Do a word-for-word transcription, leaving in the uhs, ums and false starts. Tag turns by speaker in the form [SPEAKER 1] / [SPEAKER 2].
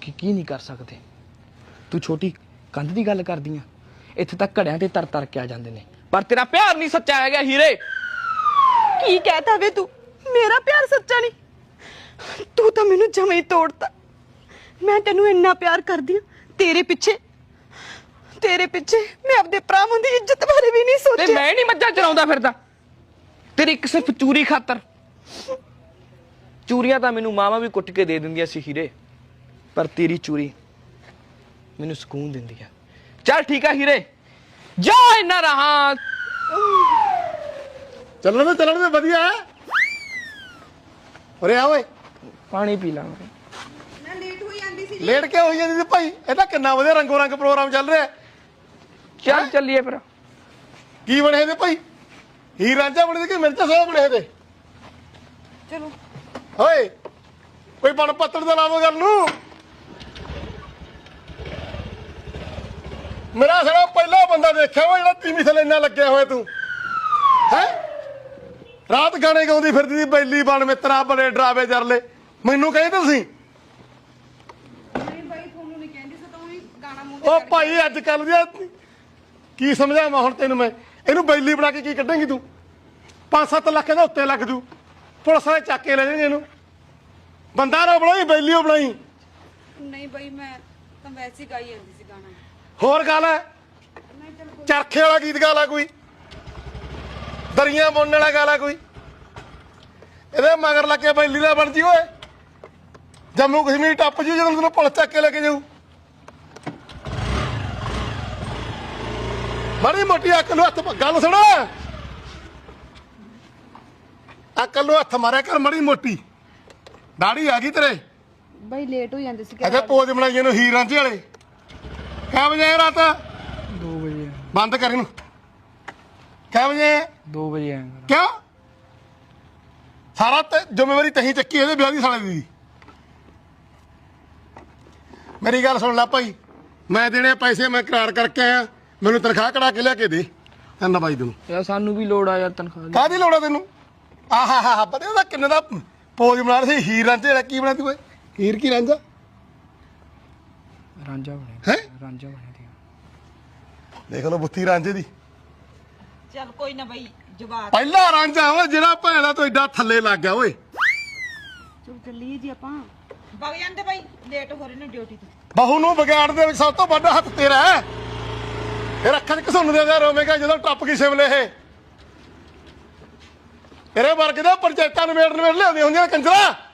[SPEAKER 1] ਕੀ ਨਹੀਂ ਕਰ ਸਕਦੇ। ਤੂੰ ਛੋਟੀ ਕੰਧ ਦੀ ਗੱਲ ਕਰਦੀ ਆ, ਇੱਥੇ ਤਾਂ ਘੜਿਆਂ ਤੇ ਤਰ ਤਰ ਕੇ ਆ ਜਾਂਦੇ ਨੇ, ਪਰ ਤੇਰਾ ਪਿਆਰ ਨਹੀਂ ਸੱਚਾ ਹੈਗਾ ਹੀਰੇ।
[SPEAKER 2] ਕੀ ਕਹਿਤਾ ਵੇ ਤੂੰ? ਮੇਰਾ ਪਿਆਰ ਸੱਚਾ ਨਹੀਂ? ਤੂੰ ਤਾਂ ਮੈਨੂੰ ਜਮਾਂ ਹੀ ਤੋੜਤਾ। ਮੈਂ ਤੈਨੂੰ ਇੰਨਾ ਪਿਆਰ ਕਰਦੀ ਆ, ਤੇਰੇ ਪਿੱਛੇ ਤੇਰੇ ਪਿੱਛੇ ਮੈਂ ਆਪਣੇ ਭਰਾਵਾਂ ਦੀ ਇੱਜ਼ਤ ਬਾਰੇ ਵੀ ਨਹੀਂ
[SPEAKER 1] ਤੇ
[SPEAKER 2] ਸੋਚਿਆ।
[SPEAKER 1] ਮੈਂ ਨਹੀਂ ਮੱਝਾਂ ਚਰਾਉਂਦਾ ਫਿਰਦਾ ਤੇਰੀ ਇੱਕ ਸਿਰਫ ਚੂਰੀ ਖਾਤਰ। ਚੂਰੀਆਂ ਤਾਂ ਮੈਨੂੰ ਮਾਵਾਂ ਵੀ ਕੁੱਟ ਕੇ ਦੇ ਦਿੰਦੀਆਂ ਸੀ ਹੀਰੇ, ਪਰ ਤੇਰੀ ਚੂਰੀ ਮੈਨੂੰ ਸਕੂਨ ਦਿੰਦੀ ਆ। ਚੱਲ ਠੀਕ ਆ ਹੀਰੇ, ਜਾ ਇੰਨਾ ਰਹਾ।
[SPEAKER 3] ਚੱਲਣ ਦੇ ਚੱਲਣ ਦੇ ਵਧੀਆ ਹੈ। ਉਰੇ ਆ ਓਏ,
[SPEAKER 1] ਪਾਣੀ ਪੀ ਲਾ।
[SPEAKER 2] ਮੈਂ ਲੇਟ ਹੋਈ ਜਾਂਦੀ ਸੀ।
[SPEAKER 3] ਲੇਟ ਕੇ ਹੋਈ ਜਾਂਦੀ ਸੀ ਭਾਈ, ਇਹ ਤਾਂ ਕਿੰਨਾ ਵਧੀਆ ਰੰਗੋ ਰੰਗ ਪ੍ਰੋਗਰਾਮ ਚੱਲ ਰਿਹਾ।
[SPEAKER 1] ਚੱਲ ਚੱਲੀਏ ਫਿਰ।
[SPEAKER 3] ਕੀ ਬਣੇ ਇਹਦੇ ਭਾਈ? ਹੀਰ ਰਾਂਝਾ ਬਣੇ ਕਿ ਮਿਰਚਾ ਸਾਹਿਬ ਬਣੇ ਇਹਦੇ?
[SPEAKER 2] ਚਲੋ
[SPEAKER 3] ਓਏ ਕੋਈ ਬਣ ਪੱਤਰ ਦਾ ਲਾਵੋ ਗੱਲ ਨੂੰ। ਮੇਰਾ ਸਾਲਾ ਪਹਿਲਾ ਬੰਦਾ ਦੇਖਿਆ ਵਾ ਜਿਹੜਾ ਤੀਵੀਂ ਥੱਲੇ ਇੰਨਾ ਲੱਗਿਆ ਹੋਇਆ ਤੂੰ ਹੈ। ਰਾਤ ਗਾਣੇ ਗਾਉਂਦੀ ਫਿਰਦੀ ਸੀ ਬੈਲੀ ਬਣ ਮਿੱਤਰਾ ਬੜੇ ਡਰਾਵੇ ਜਰਲੇ। ਮੈਨੂੰ ਕਹੀ ਤੁਸੀਂ
[SPEAKER 2] ਨਹੀਂ ਬਾਈ, ਤੁਹਾਨੂੰ ਨਹੀਂ ਕਹਿੰਦੀ ਸੀ ਤਾਂ ਉਹੀ ਗਾਣਾ ਮੂੰਹ
[SPEAKER 3] ਉਹ ਭਾਈ ਅੱਜ ਕੱਲ ਦੀ ਕੀ ਸਮਝਾਵਾਂ ਹੁਣ ਤੈਨੂੰ ਮੈਂ? ਇਹਨੂੰ ਬੈਲੀ ਬਣਾ ਕੇ ਕੀ ਕੱਢੇਂਗੀ ਤੂੰ? ਪੰਜ ਸੱਤ ਲੱਖ ਦਾ ਉੱਤੇ ਲੱਗ ਜੂ, ਪੁਲਿਸ ਵਾਲੇ ਚੱਕ ਕੇ ਲੈ ਜਾਣਗੇ ਇਹਨੂੰ। ਬੰਦਾ ਨਾ ਬਣਾਈ, ਬੈਲੀ ਓ ਬਣਾਈ।
[SPEAKER 2] ਨਹੀਂ ਬਾਈ, ਮੈਂ ਤਾਂ ਵੈਸੇ ਹੀ ਗਾਈ ਜਾਂਦੀ ਸੀ ਗਾਣਾ।
[SPEAKER 3] ਹੋਰ ਗੱਲ ਹੈ, ਚਰਖੇ ਵਾਲਾ ਗੀਤ ਗਾ ਲਾ ਕੋਈ, ਦਰੀਆਂ ਬੁਣਨ ਵਾਲਾ ਗਾ ਲਾ ਕੋਈ। ਇਹਦੇ ਮਗਰ ਲੱਗ ਕੇ ਬੈਲੀ ਦਾ ਬਣ ਜੀ ਓਏ। ਜੰਮੂ ਕਸ਼ਮੀਰ ਟੱਪ ਜੂ ਜਦੋਂ ਤੈਨੂੰ ਪੁਲਿਸ ਚੱਕ ਕੇ ਲੈ ਕੇ ਜਾਊ। ਮਾੜੀ ਮੋਟੀ ਅਕਲ ਨੂੰ ਹੱਥ, ਗੱਲ ਸੁਣ, ਅਕਲ ਨੂੰ ਹੱਥ ਮਾਰਿਆ ਕਰ ਮਾੜੀ ਮੋਟੀ। ਦਾੜੀ ਆ ਗਈ ਤੇਰੇ
[SPEAKER 2] ਬਾਈ ਲੇਟ ਹੋ ਜਾਂਦੇ ਸੀ।
[SPEAKER 3] ਅੱਛਾ ਪੋਜ ਬਣਾਈਏ ਨੂੰ ਹੀਰ ਰਾਂਝੇ ਵਾਲੇ। ਕਿਆ ਵਜੇ ਆਏ ਰਾਤ?
[SPEAKER 1] ਦੋ ਵਜੇ।
[SPEAKER 3] ਬੰਦ ਕਰ ਇਹਨੂੰ। ਕਿਆ ਵਜੇ?
[SPEAKER 1] ਦੋ ਵਜੇ ਆਏਗਾ।
[SPEAKER 3] ਕਿਉਂ? ਸਾਰਾ ਤੇ ਜ਼ਿੰਮੇਵਾਰੀ ਤਹੀਂ ਚੱਕੀ ਇਹਦੇ ਵਿਆਹ ਦੀ ਸਾਲੇ ਦੀ। ਮੇਰੀ ਗੱਲ ਸੁਣ ਲੈ ਭਾਈ, ਮੈਂ ਦੇਣੇ ਪੈਸੇ ਮੈਂ ਕਰਾਰ ਕਰਕੇ ਆਇਆ, ਮੈਨੂੰ ਤਨਖਾਹ ਕਢਾ ਕੇ ਲਿਆ ਕੇ ਦੇ ਤੈਨੂੰ ਬਾਈ ਤੈਨੂੰ।
[SPEAKER 1] ਯਾਰ ਸਾਨੂੰ ਵੀ ਲੋੜ ਆ ਯਾਰ ਤਨਖਾਹ ਦੀ।
[SPEAKER 3] ਕਾਹਦੀ ਲੋੜ ਆ ਤੈਨੂੰ? ਆਹਾ ਹਾ ਹਾ ਪਤਾ ਉਹਦਾ ਕਿੰਨੇ ਦਾ ਪੋਜ ਬਣਾ ਰਿਹਾ ਸੀ ਹੀਰ ਰਾਂਝੇ ਵਾਲਾ। ਕੀ ਬਣਾ ਤੀ ਓਏ? ਹੀਰ ਕੀ ਰਾਂਝਾ?
[SPEAKER 1] ਰਾਂਝਾ ਬਣਿਆ
[SPEAKER 3] ਹੈ।
[SPEAKER 1] ਰਾਂਝਾ ਬਣਿਆ ਦੀ।
[SPEAKER 3] ਦੇਖ ਲਓ ਬੁੱਤੀ ਰਾਂਝੇ ਦੀ।
[SPEAKER 2] ਚੱਲ ਕੋਈ ਨਾ ਬਾਈ, ਜਵਾਬ
[SPEAKER 3] ਪਹਿਲਾ ਰਾਂਝਾ ਓਏ ਜਿਹੜਾ ਭੈਣਾ ਤੋਂ ਐਡਾ ਥੱਲੇ ਲੱਗ ਗਿਆ ਓਏ।
[SPEAKER 2] ਚਲ ਚੱਲੀਏ ਜੀ ਆਪਾਂ। ਵਗ ਜਾਂਦੇ ਬਾਈ, ਲੇਟ ਹੋ ਰਹੇ ਨੇ ਡਿਊਟੀ ਤੋਂ।
[SPEAKER 3] ਬਹੂ ਨੂੰ ਵਿਗਾੜ ਦੇ ਵਿੱਚ ਸਭ ਤੋਂ ਵੱਡਾ ਹੱਥ ਤੇਰਾ ਹੈ। ਇਹ ਅੱਖਾਂ 'ਚ ਘਸੁੰਨ ਦੇ ਜਾ ਰੋਵੇਂਗਾ ਜਦੋਂ ਟੱਪ ਗਈ ਸ਼ਿਮਲੇ। ਇਹ ਤੇਰੇ ਵਰਗੇ ਦੇ ਪੰਚਾਇਤਾਂ ਨਵੇੜ ਨਵੇੜ ਲਿਆਉਂਦੀਆਂ ਹੁੰਦੀਆਂ ਕੰਜਰਾ।